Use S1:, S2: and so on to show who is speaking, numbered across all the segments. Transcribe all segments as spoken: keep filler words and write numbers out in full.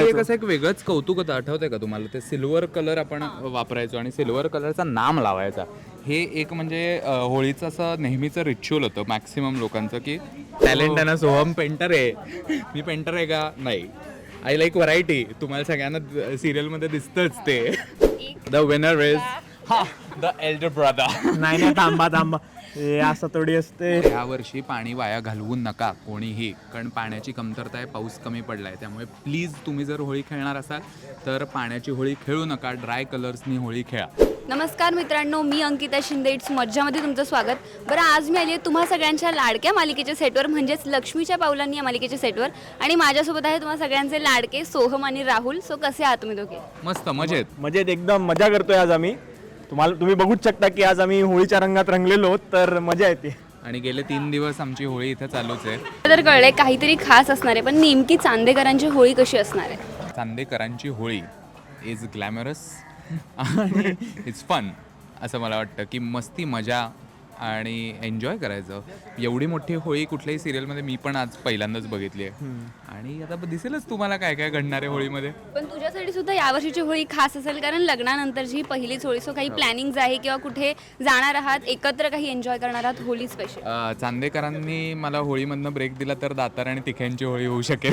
S1: एक असं एक वेगळंच कौतुक होतं, आठवतंय का तुम्हाला? ते सिल्वर कलर आपण वापरायचो आणि सिल्वर कलरचा नाम लावायचा. हे एक म्हणजे अ, होळीचं असं नेहमीचं रिच्युअल होतं मॅक्सिमम लोकांचं, की टॅलेंट आहे ना, सोहम पेंटर आहे. मी पेंटर आहे का? नाही. I like variety. तुम्हाला सगळ्यांना सिरियलमध्ये दिसतंच ते. द विनर इज हा द एल्डर ब्रदर.
S2: नाही नाही, थांबा थांबा, हे असं थोडी असते.
S1: या वर्षी पाणी वाया घालवू नका कोणीही, कारण पाण्याची कमतरता आहे, पाऊस कमी पडला आहे. त्यामुळे प्लीज तुम्ही जर होळी खेळणार असाल तर पाण्याची होळी खेळू नका, ड्राय कलर्सनी होळी खेळा.
S3: नमस्कार मित्रांनो, मी अंकिता शिंदे. इट्स मज्जामध्ये तुमचं स्वागत. बरं, आज मी आली आहे तुम्हा सगळ्यांच्या लाडक्या मालिकेच्या सेटवर, म्हणजेच लक्ष्मीच्या पावलांनी या मालिकेच्या सेटवर. आणि माझ्यासोबत आहे तुम्हा सगळ्यांचे लाडके सोहम आणि राहुल. सो कसे आहात तुम्ही दोघे?
S1: मस्त मजेत.
S2: मजेत, एकदम मजा करतोय आज आम्ही. तुम्हाला तुम्ही बघूच शकता की आज आम्ही होळीच्या रंगात रंगलेलो, तर मजा येते.
S1: आणि गेले तीन दिवस आमची होळी इथं चालूच आहे.
S3: तर कळलंय काहीतरी खास असणार आहे, पण नेमकी चांदेकरांची होळी कशी असणार आहे?
S1: चांदेकरांची होळी इज ग्लॅमरस आणि इट्स फन, असं मला वाटतं की मस्ती मजा आणि एन्जॉय करायचं. एवढी मोठी होळी कुठल्याही सिरियलमध्ये मी पण आज पहिल्यांदाच बघितली आहे. आणि आता दिसेलच तुम्हाला काय काय घडणार आहे होळीमध्ये.
S3: पण तुझ्यासाठी सुद्धा यावर्षीची होळी खास असेल, कारण लग्नानंतरची ही पहिलीच होळी. सो काही प्लॅनिंग आहे किंवा कुठे जाणार आहात, एकत्र काही एन्जॉय करणार आहात होळी स्पेशल?
S1: अ, चांदेकरांनी मला होळीमधनं ब्रेक दिला तर दातार आणि तिख्यांची होळी होऊ शकेल.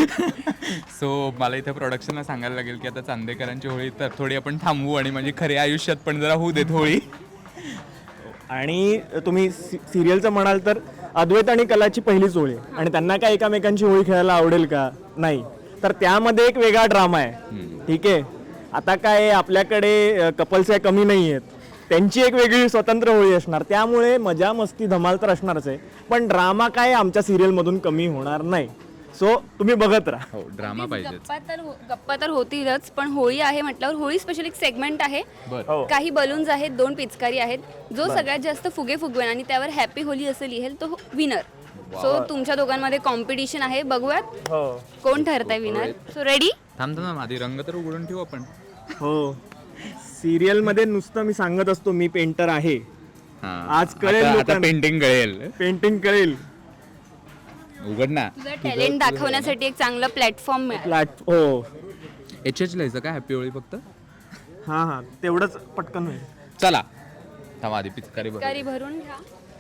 S1: सो मला इथे प्रोडक्शनला सांगायला लागेल की आता चांदेकरांची होळी तर थोडी आपण थांबवू आणि म्हणजे खऱ्या आयुष्यात पण जरा होऊ देत होळी.
S2: आणि तुम्ही सिरियलचं म्हणाल तर अद्वैत आणि कलाची पहिलीच होळी आहे. आणि त्यांना काय एकामेकांची होळी खेळायला आवडेल का? नाही. तर त्यामध्ये एक वेगळा ड्रामा आहे. ठीक आहे, आता काय आपल्याकडे कपल्स आहे कमी नाही आहेत, त्यांची एक वेगळी स्वतंत्र होळी असणार. त्यामुळे मजा मस्ती धमाल तर असणारच आहे, पण ड्रामा काय आमच्या सिरियलमधून कमी होणार नाही. सो तुम्ही बघत राहा.
S1: हो, ड्रामा पाहिजे.
S3: गप्पा तर हो- गप्पा तर होतीलच, पण होळी आहे म्हटल्यावर होळी स्पेशल एक सेगमेंट आहे.
S1: बरं.
S2: हो.
S3: काही बलून्स आहेत, दोन पिचकारी आहेत. जो सगळ्यात जास्त फुगे फुगवेन आणि त्यावर हॅपी होली असं लिहेल तो विनर. सो तुमच्या दोघांमध्ये कॉम्पिटिशन आहे, बघूयात
S2: हो
S3: कोण ठरतंय विनर. So ready?
S1: थांबतो ना, आधी रंग तर उघडून ठेवू आपण.
S2: हो. सिरियलमध्ये नुसतं मी सांगत असतो मी पेंटर आहे,
S1: हा.
S2: आज कळेल
S1: आता- आता
S2: लोकांना.
S1: पेंटिंग कळेल.
S2: पेंटिंग कळेल.
S1: उघड ना.
S3: तुझं टॅलेंट दाखवण्यासाठी एक चांगला प्लॅटफॉर्म मिळाला.
S2: फ्लॅट हो.
S1: एच एच लिहायचं का हॅपी होळी फक्त?
S2: हां हां, तेवढंच पटकन होईल.
S1: चला थांबा, आधी पिचकारी बघ.
S3: पिचकारी भरून घ्या.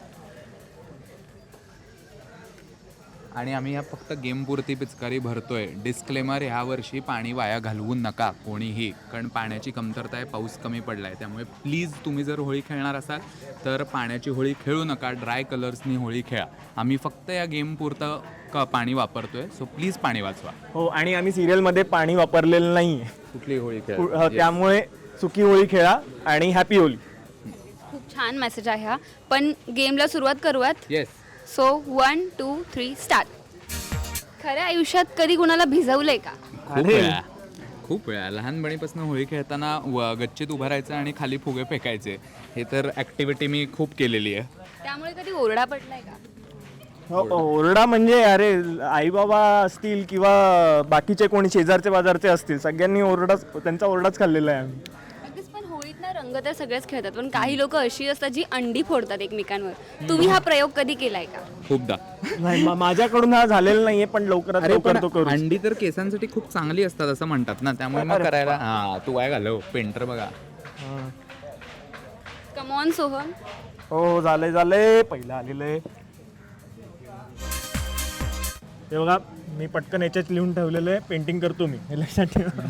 S1: आणि आम्ही ह्या फक्त गेम पुरती पिचकारी भरतोय. डिस्क्लेमर, ह्या वर्षी पाणी वाया घालवू नका कोणीही, कारण पाण्याची कमतरता आहे, पाऊस कमी पडला आहे. त्यामुळे प्लीज तुम्ही जर होळी खेळणार असाल तर पाण्याची होळी खेळू नका, ड्राय कलर्सनी होळी खेळा. आम्ही फक्त या गेम पुरतं क पाणी वापरतोय, सो प्लीज पाणी वाचवा.
S2: हो, आणि आम्ही सिरियलमध्ये पाणी वापरलेलं नाही आहे.
S1: कुठली होळी
S2: कु-
S1: खेळा.
S2: हो, त्यामुळे सुकी होळी खेळा आणि हॅपी होळी.
S3: खूप छान मेसेज आहे हा. पण गेमला सुरुवात करूयात.
S1: Yes.
S3: So one two three start. खऱ्या आयुष्यात कधी कुणाला भिजवलंय का?
S1: खूप
S2: अरे.
S1: वेळा खूप वेळा लहानपणीपासून होळी खेळताना व गच्चीत उभं राहायचं आणि खाली फुगे फेकायचे. हे तर ॲक्टिव्हिटी मी खूप केलेली आहे.
S3: त्यामुळे कधी ओरडा पडलाय का?
S2: हो, ओरडा म्हणजे अरे आई बाबा असतील किंवा बाकीचे कोणी शेजारचे बाजारचे असतील, सगळ्यांनी ओरडाच, त्यांचा ओरडाच खाल्लेला आहे आम्ही.
S3: अगदीच. पण होळीत ना रंग तर सगळेच खेळतात, पण काही लोक अशी असतात जी अंडी फोडतात एकमेकांवर. तुम्ही हा प्रयोग कधी केलाय का?
S1: खूपदा.
S2: नाही, मा- माझ्याकडून हा झालेला नाहीये, पण लवकरात
S1: अरे पण
S2: लवकर तो करू.
S1: अंडी तर केसांसाठी खूप चांगली असतात असं म्हणतात ना, त्यामुळे मग करायला. हा, तू काय घालव पेंटर बघा.
S2: हां.
S3: कमॉन सोहम.
S2: हो हो, झालंय झालंय, पहिलं आलेलं आहे. हे बघा, मी पटकन याच्यात लिहून ठेवलेलं आहे, पेंटिंग करतो मी, हे लक्षात ठेवा.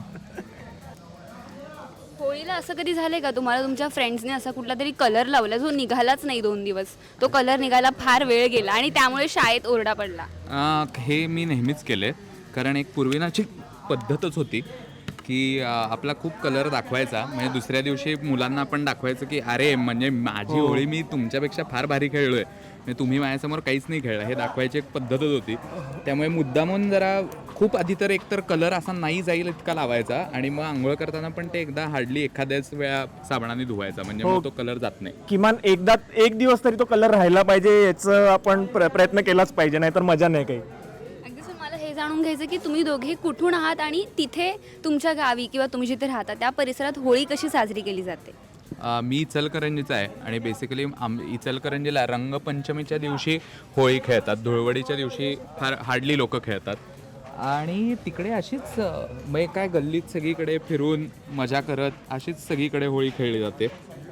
S3: होळीला असं कधी झालंय का तुम्हाला तुमच्या फ्रेंड्सने असा कुठला तरी कलर लावला जो निघालाच नाही दोन दिवस, तो कलर निघायला फार वेळ गेला आणि त्यामुळे शाळेत ओरडा पडला?
S1: अं, हे मी नेहमीच केले, कारण एक पूर्वीनाची पद्धतच होती की अं, आपला खूप कलर दाखवायचा, म्हणजे दुसऱ्या दिवशी मुलांना आपण दाखवायचं की अरे म्हणजे माझी होळी मी तुमच्यापेक्षा फार भारी खेळलोय, म्हणजे तुम्ही माझ्यासमोर काहीच नाही खेळलं, हे दाखवायची एक पद्धतच होती. त्यामुळे मुद्दामून जरा खूप आधी तर एकतर कलर असा नाही जाईल इतका लावायचा, आणि मग आंघोळ करताना पण ते एकदा हार्डली एखाद्याच वेळा साबणाने धुवायचा, म्हणजे मग तो कलर जात नाही.
S2: किमान एकदा एक दिवस तरी तो कलर राहायला पाहिजे, याचं आपण प्र- प्रयत्न केलाच पाहिजे, नाहीतर मजा नाही काही.
S3: अगदीच. पण मला हे जाणून घ्यायचं की तुम्ही दोघे कुठून आहात आणि तिथे तुमच्या गावी किंवा तुम्ही जिथे राहता त्या परिसरात होळी कशी साजरी केली जाते?
S1: अ, मी इचलकरंजीचा आहे आणि बेसिकली आम इचलकरंजीला रंगपंचमीच्या दिवशी होळी खेळतात, धुळवडीच्या दिवशी फार हार्डली लोक खेळतात. आणि तिकडे अशीच अं, म्हणजे काय गल्लीत सगळीकडे फिरून मजा करत अशीच सगळीकडे होळी खेळली जाते.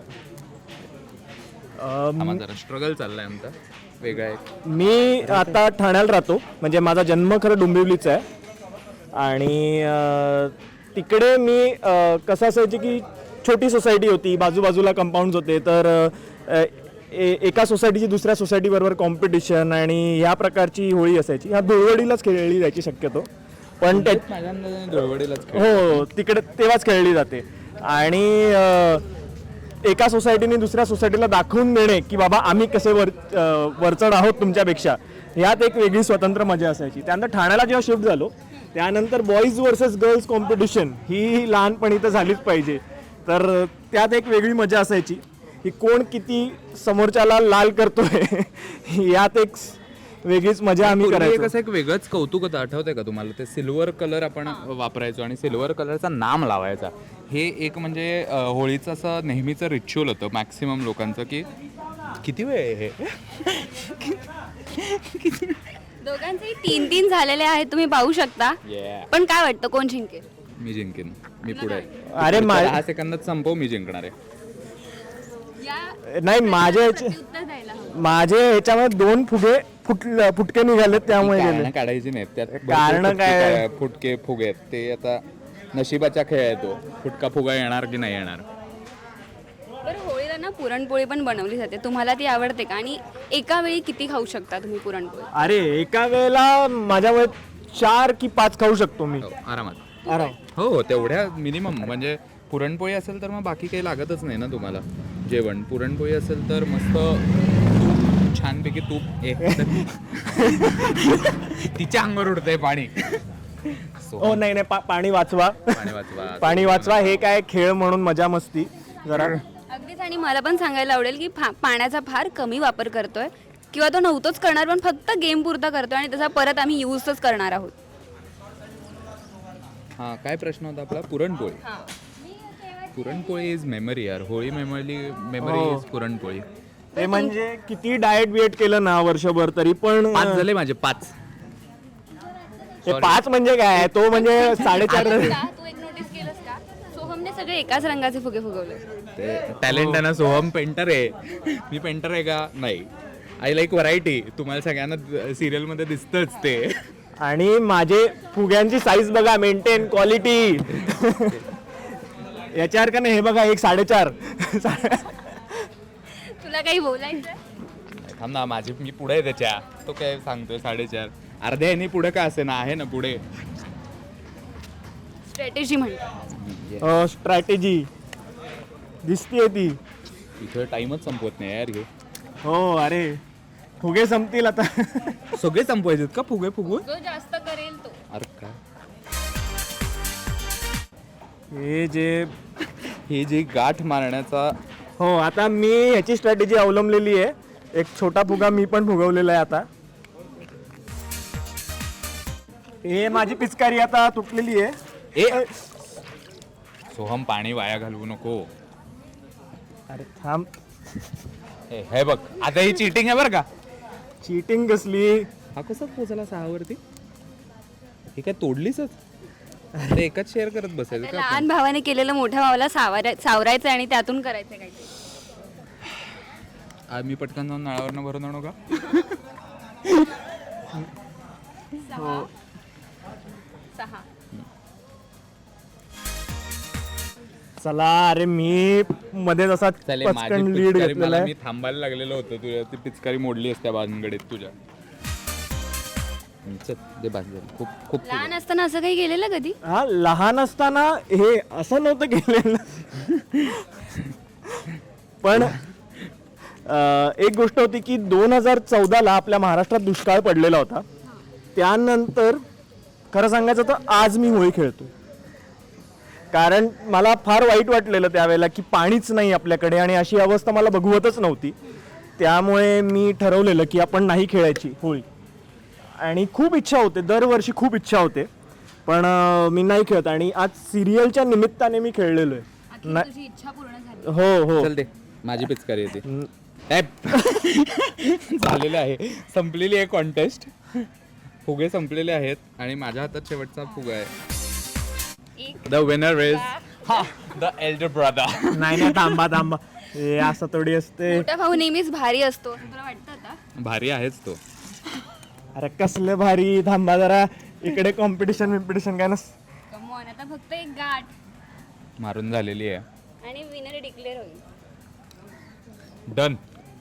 S2: अं,
S1: हा माझा स्ट्रगल चाललाय आमचा वेगळा एक.
S2: मी आता ठाण्याला राहतो, म्हणजे माझा जन्म खरं डोंबिवलीचा आहे. आणि अं, तिकडे मी अं, कसं असायची की छोटी सोसायटी होती, बाजूबाजूला कंपाऊंड्स होते, तर अं, ए- एका सोसायटीची दुसऱ्या सोसायटीबरोबर कॉम्पिटिशन आणि ह्या प्रकारची होळी असायची. ह्या धुळवडीलाच खेळली जायची शक्यतो, पण त्या
S1: माझ्या अंदाजाने धुळवडीलाच खेळ.
S2: हो तिकडे तेव्हाच खेळली जाते. आणि अं, एका सोसायटीने दुसऱ्या सोसायटीला दाखवून देणे की बाबा आम्ही कसे वर अं, वरचढ आहोत तुमच्यापेक्षा, ह्यात एक वेगळी स्वतंत्र मजा असायची. त्यानंतर ठाण्याला जेव्हा शिफ्ट झालो त्यानंतर बॉईज वर्सेस गर्ल्स कॉम्पिटिशन ही लहानपणी तर झालीच पाहिजे. तर त्यात एक वेगळी मजा असायची की कोण किती समोरच्याला लाल करतोय यात एक वेगळीच मजा आम्ही
S1: पूर्वी
S2: करायचो.
S1: कसं एक वेगळंच कौतुक होतं, आठवतंय का तुम्हाला? ते सिल्वर कलर आपण वापरायचो आणि सिल्वर कलरचा नाम लावायचा. हे एक म्हणजे अं, होळीचं असं नेहमीचं रिच्युअल होतं मॅक्सिमम लोकांचं की किती वेळ आहे हे.
S3: दोघांचेही तीन तीन झालेले आहेत, तुम्ही पाहू शकता.
S1: Yeah.
S3: पण काय वाटतं कोण जिंकेल?
S1: मी जिंकेन, मी पुढे आहे.
S2: अरे मा-
S1: दहा सेकंदात संपव, मी जिंकणार आहे.
S3: या
S2: नाही माझ्या ह्याच्या-
S3: उत्तर द्यायला हवं.
S2: माझे ह्याच्यामध्ये दोन फुगे फुट फुटके निघालेत त्यामुळे गेले.
S1: कारणं काढायची नाहीत त्यात. भरपूर
S2: कारणं
S1: फुटके
S2: काय?
S1: काय- फुटके फुगे आहेत. ते आता नशिबाचा खेळ आहे तो. फुटका फुगा येणार की नाही येणार.
S3: बरं, होळीला ना पुरणपोळी पण बनवली जाते. तुम्हाला ती आवडते का? आणि एका वेळी किती खाऊ शकता तुम्ही पुरणपोळी?
S2: अरे एका वेळेला माझ्या वेळेत चार की पाच खाऊ शकतो मी
S1: हो, आरामात.
S2: आराम.
S1: हो हो तेवढ्या मिनिमम. म्हणजे पुरणपोळी असेल तर मग बाकी काही लागतच नाही ना तुम्हाला जेवण. पुरणपोळी असेल तर मस्त तूप, छानपैकी तूप. ए तिच्या अंगावर उडतंय पाणी. So,
S2: हो नाही नाही पा- पाणी वाचवा
S1: पाणी वाचवा.
S2: पाणी वाचवा. हे काय खेळ म्हणून मजा मस्ती जरा.
S3: अगदीच. आणि मला पण सांगायला आवडेल की फा- पाण्याचा फार कमी वापर करतोय, किंवा तो नव्हतोच करणार पण फक्त गेम पुरता करतोय आणि त्याचा परत आम्ही यूजच करणार आहोत.
S1: हा काय प्रश्न होता आपला? पुरणपोळी. पुरणपोळी इज मेमरी यार. होळी मेमरी मेमरी
S2: हो.
S1: इज पुरणपोळी.
S2: ते म्हणजे किती डाएट बिएट केलं ना वर्षभर तरी पण
S1: पाच झाले माझे, पाच.
S2: ते पाच म्हणजे काय, तो म्हणजे साडेचार.
S3: तू एक नोटीस केलंस का? सोहमने सगळे एकाच रंगाचे फुगे फुगवले.
S1: ते टॅलेंट आहे ना. सोहम पेंटर आहे. मी पेंटर आहे का? नाही. I like variety. तुम्हाला सगळ्यांना सिरियल मध्ये दिसतच ते.
S2: आणि माझे फुग्यांची साईज बघा, मेंटेन क्वालिटी. याच्यावर का नाही हे बघा, एक साडेचार.
S3: तुला काही बोलायचं?
S1: थांब ना, माझी मी पुढे आहे त्याच्या. तो काय सांगतोय साडेचार. अर्ध्या ह्यानी पुढे का असे ना, आहे ना पुढे.
S3: स्ट्रॅटेजी म्हणतो.
S2: स्ट्रॅटेजी दिसतीये ती.
S1: इथं टाइमच संपवत नाही यार हे.
S2: हो अरे फुगे संपतील आता.
S1: सगळे संपवायचे का फुगे फुगून?
S3: जो जास्त करेल तो.
S1: अरे काय
S2: हे जे
S1: हे जे गाठ मारण्याचा.
S2: हो आता मी ह्याची स्ट्रॅटेजी अवलंबलेली आहे. एक छोटा फुगा मी पण फुगवलेला आहे आता. हे माझी पिचकारी आता तुटलेली आहे.
S1: ए सोहम, पाणी वाया घालवू नको.
S2: अरे थांब,
S1: हे हे बघ, आता ही चीटिंग आहे बरं का.
S2: चीटिंग कसली?
S1: हा कसा पोचला सहावरती? हे काय तोडलीसच? ते एकच शेअर करत बसायचं का आपण?
S3: लहान भावाने केलेलं मोठ्या भावाला सावराय सावरायचं आणि त्यातून करायचं काहीतरी.
S1: आज मी पटकन जाऊन नळावरनं भरून आणू का?
S3: सहा.
S2: चला अरे मी मध्ये जसा
S1: चालेल, माझी
S2: पचकन लीड
S1: पिचकारी
S2: घेतलेला
S1: मला
S2: आहे.
S1: मी थांबायला लागलेलं होतं. तुझ्या ती पिचकारी मोडली असत्या भानगडीत तुझ्या. हम्म, चल दे बाज झाली. खूप खूप
S3: लहान असताना असं काही केलेलं कधी?
S2: हा लहान असताना हे असं नव्हतं केलेलं. पण अं, एक गोष्ट होती की दोन हजार चौदाला आपल्या महाराष्ट्रात दुष्काळ पडलेला होता. त्यानंतर खरं सांगायचं तर आज मी होळी खेळतो. कारण मला फार वाईट वाटलेलं त्यावेळेला की पाणीच नाही आपल्याकडे आणि अशी अवस्था मला बघवतच नव्हती. त्यामुळे मी ठरवलेलं की आपण नाही खेळायची होळी. आणि खूप इच्छा होते, दरवर्षी खूप इच्छा होते, पण अं, मी नाही खेळत. आणि आज सिरियलच्या निमित्ताने मी खेळलेलो आहे. ना-
S3: तुझी इच्छा पूर्ण झाली.
S2: हो हो
S1: चल दे, माझी पिचकारी येते.
S2: हम्म.
S1: झालेलं आहे, संपलेली आहे कॉन्टेस्ट. फुगे संपलेले आहेत आणि माझ्या हातात शेवटचा फुगा आहे.
S3: एक
S1: द विनर इज हा द एल्डर ब्रदर.
S2: नाही नाही थांबा थांबा हे असं थोडी असते.
S3: मोठा भाऊ नेहमीच भारी असतो तुला वाटतं आता?
S1: भारी आहेच तो.
S2: अरे कसलं भारी. थांबा जरा इकडे कॉम्पिटिशन विम्पिटिशन काय नस.
S3: कमॉन आता फक्त एक गाठ
S1: मारून झालेली आहे.
S3: आणि विनर डिक्लेअर होईल.
S1: डन.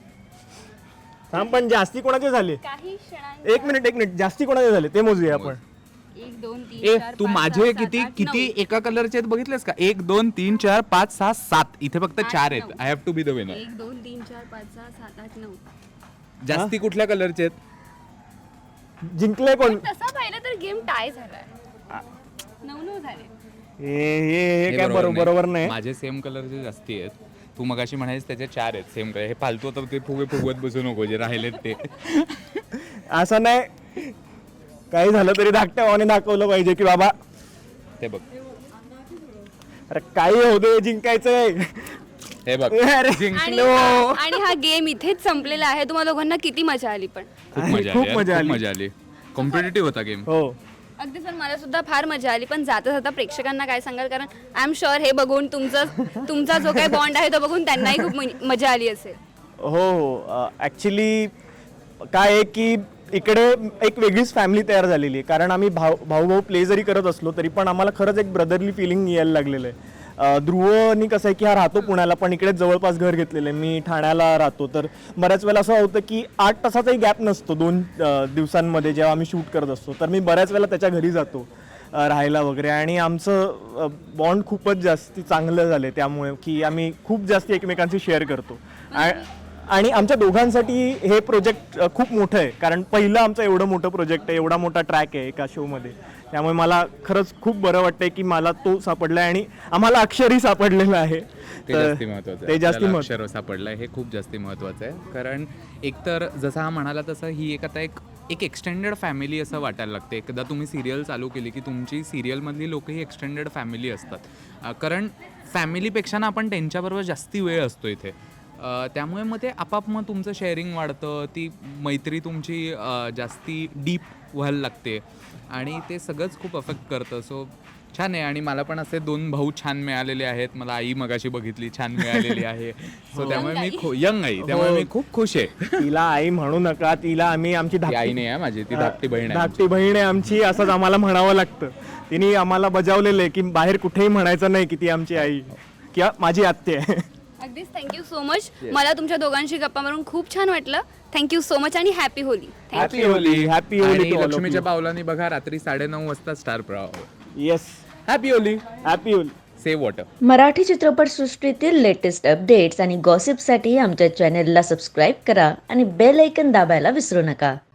S2: थांब पण जास्ती कोणाचे झाले.
S3: काही क्षणांत
S2: एक मिनिट एक मिनिट जास्ती कोणाचे झाले ते मोजूया आपण.
S3: एक दोन तीन
S1: ए
S3: चार
S1: तू
S3: पाच,
S1: माझे
S3: सहा, सात,
S1: किती
S3: आठ,
S1: किती
S3: नऊ.
S1: एका कलरचे आहेत बघितलेस का? एक दोन तीन चार पाच सहा सात. इथे फक्त
S3: आठ,
S1: चार आहेत.
S3: नऊ.
S1: I have to be the winner.
S3: एक दोन तीन चार पाच सहा सात आठ नऊ.
S1: जास्ती कुठल्या कलरचे आहेत?
S2: जिंकले कोण.
S3: तसा पाहिलं तर गेम टाय झालाय. नऊ नऊ झाले.
S2: हे हे हे
S1: हे
S2: काय बरोबर बरोबर नाही.
S1: माझे सेम कलरचे जास्ती आहेत. तू मगाशी म्हणायस त्याचे चार आहेत सेम कलर. हे फालतू तर ते फुगे फुगवत बसू नको जे राहिलेत ते.
S2: असं नाही. काही झालं तरी धाकट्या भावाने दाखवलं पाहिजे की बाबा
S1: ते बघ
S2: अरे काही होऊ दे जिंकायचंय.
S1: हे बघ
S2: अरे
S3: आणि
S2: जिंकलो.
S3: हा- आणि हा गेम इथेच संपलेला आहे. तुम्हाला दोघांना किती मजा आली पण.
S1: खूप
S2: आहे,
S1: मजा
S2: खूप
S1: आली यार,
S2: मजा
S1: खूप
S2: आली.
S1: मजा आली. कॉम्पिटेटिव्ह होता गेम.
S2: हो
S3: अगदीच पण मला सुद्धा फार मजा आली. पण जाता जाता प्रेक्षकांना काय सांगाल? कारण आय एम शुअर हे बघून तुमचं तुमचा जो काही बॉन्ड आहे तो बघून त्यांनाही खूप म- मजा आली असेल.
S2: हो हो ॲक्च्युली काय आहे की इकडे एक वेगळीच फॅमिली तयार झालेली आहे. कारण आम्ही भाऊ भाऊ भाऊ प्ले जरी करत असलो तरी पण आम्हाला खरंच एक ब्रदरली फिलिंग यायला लागलेलं आहे. अं, ध्रुवनी कसं आहे की हा राहतो पुण्याला पण इकडे जवळपास घर घेतलेलं आहे. मी ठाण्याला राहतो. तर बऱ्याच वेळेला असं होतं की आठ तासाचाही गॅप नसतो दोन अं, दिवसांमध्ये जेव्हा आम्ही शूट करत असतो. तर मी बऱ्याच वेळेला त्याच्या घरी जातो अं, राहायला वगैरे. आणि आमचं बॉन्ड खूपच जास्ती चांगलं झालं आहे त्यामुळे की आम्ही खूप जास्त एकमेकांशी शेअर करतो. आ- आणि आमच्या दोघांसाठी हे प्रोजेक्ट खूप मोठं आहे. कारण पहिलं आमचं एवढं मोठं प्रोजेक्ट आहे. एवढा मोठा ट्रॅक आहे एका शोमध्ये. त्यामुळे मला खरंच खूप बरं वाटतंय की मला तो सापडला आहे आणि आम्हाला अक्षरही सापडलेलं आहे.
S1: ते
S2: तर
S1: जास्ती महत्वाचं
S2: ते
S1: आहे.
S2: जास्ती
S1: त्याला
S2: महत्व-
S1: अक्षर सापडलंय हे खूप जास्ती महत्वाचं आहे. कारण एकतर जसं हा म्हणाला तसं ही एक आता एक एक एक्सटेंडेड फॅमिली असं वाटायला लागते. एकदा तुम्ही सिरियल चालू केली की तुमची सिरियलमधली लोक ही एक्सटेंडेड फॅमिली असतात. अं, कारण फॅमिलीपेक्षा ना आपण त्यांच्याबरोबर जास्ती वेळ असतो इथे. अ, त्यामुळे मग ते आपाप मग तुमचं शेअरिंग वाढतं. ती मैत्री तुमची अ, जास्ती डीप व्हायला लागते आणि ते सगळंच खूप अफेक्ट करतं. सो छान आहे. आणि मला पण असे दोन भाऊ छान मिळालेले आहेत. मला आई मगाशी बघितली छान मिळालेली आहे. सो त्यामुळे मी खू यंग आई त्यामुळे मी खूप खुश आहे.
S2: तिला आई म्हणू नका. तिला आम्ही आमची
S1: ती आई
S2: धाकटी
S1: नाही आहे माझी, ती धाकटी बहीण आहे.
S2: धाकटी बहीण आहे आमची. असंच आम्हाला म्हणावं लागतं. तिने आम्हाला बजावलेलं आहे की बाहेर कुठेही म्हणायचं नाही की ती आमची आई किंवा माझी आत्या आहे.
S3: अगदीच थँक्यू सो मच. मला तुमच्या दोघांशी गप्पा मारून खूप छान वाटलं. थँक्यू सो मच आणि happy Holi.
S1: Happy Holi.
S2: Happy Holi
S1: आणि
S2: to all of
S1: लक्ष्मीच्या
S2: you.
S1: पावलांनी बघा रात्री साडेनऊ वाजता star Pravah.
S2: Yes
S1: happy Holi.
S2: Happy Holi.
S1: Save water.
S4: Marathi चित्रपटसृष्टीतील लेटेस्ट अपडेट्स आणि गॉसिपसाठी आमच्या चॅनेलला सबस्क्राईब करा आणि बेल ऐकन दाबायला विसरू नका.